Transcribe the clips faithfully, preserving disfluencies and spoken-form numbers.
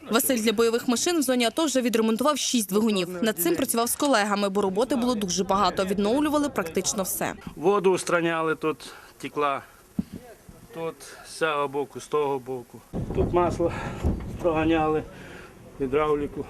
Василь для бойових машин в зоні АТО вже відремонтував шість двигунів. Над цим працював з колегами, бо роботи було дуже багато. Відновлювали практично все. Воду устраняли, тут текла, тут з цього боку, з того боку. Тут масло проганяли, гідравліку.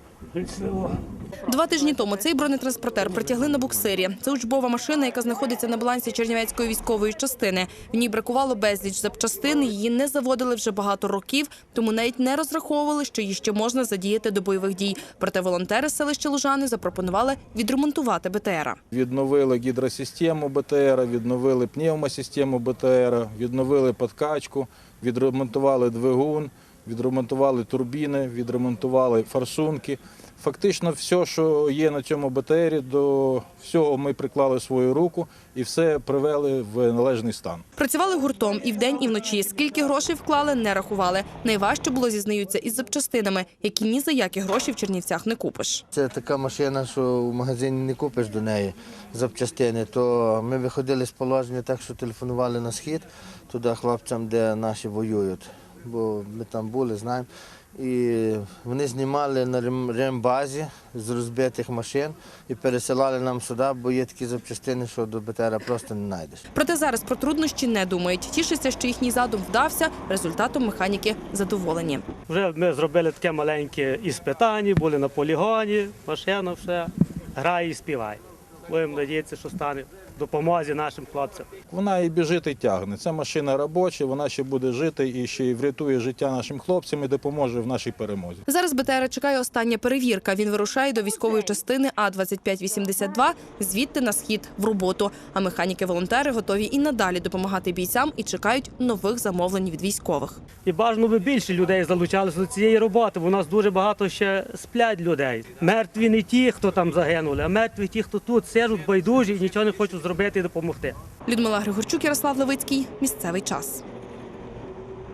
Два тижні тому цей бронетранспортер притягли на буксирі. Це учбова машина, яка знаходиться на балансі Чернівецької військової частини. В ній бракувало безліч запчастин, її не заводили вже багато років, тому навіть не розраховували, що її ще можна задіяти до бойових дій. Проте волонтери з селища Лужани запропонували відремонтувати БТРа. Відновили гідросистему БТРа, відновили пневмосистему БТРа, відновили підкачку, відремонтували двигун, відремонтували турбіни, відремонтували форсунки. Фактично все, що є на цьому БТРі, до всього ми приклали свою руку і все привели в належний стан. Працювали гуртом і вдень, і вночі. Скільки грошей вклали, не рахували. Найважче було, зізнаються, із запчастинами, які ні за які гроші в Чернівцях не купиш. Це така машина, що в магазині не купиш до неї запчастини. То ми виходили з положення так, що телефонували на схід, туди хлопцям, де наші воюють. Бо ми там були, знаємо. І вони знімали на рембазі з розбитих машин і пересилали нам сюди, бо є такі запчастини, що до БТРа просто не знайдеш. Проте зараз про труднощі не думають. Тішаться, що їхній задум вдався, результатом механіки задоволені. Вже ми зробили таке маленьке іспитання, були на полігоні, машина все, грає і співає. Будемо сподіватися, що стане в допомозі нашим хлопцям. Вона і біжить, і тягне. Це машина робоча, вона ще буде жити і ще й врятує життя нашим хлопцям і допоможе в нашій перемозі. Зараз БТРа чекає остання перевірка. Він вирушає до військової частини А двадцять п'ять вісімдесят два, звідти на схід в роботу. А механіки-волонтери готові і надалі допомагати бійцям і чекають нових замовлень від військових. І бажано би більше людей залучалися до цієї роботи, бо у нас дуже багато ще сплять людей. Мертві не ті, хто там загинули, а мертві ті, хто тут сидять байдужі і нічого не хочуть зробити і допомогти. Людмила Григорчук, Ярослав Левицький. Місцевий час.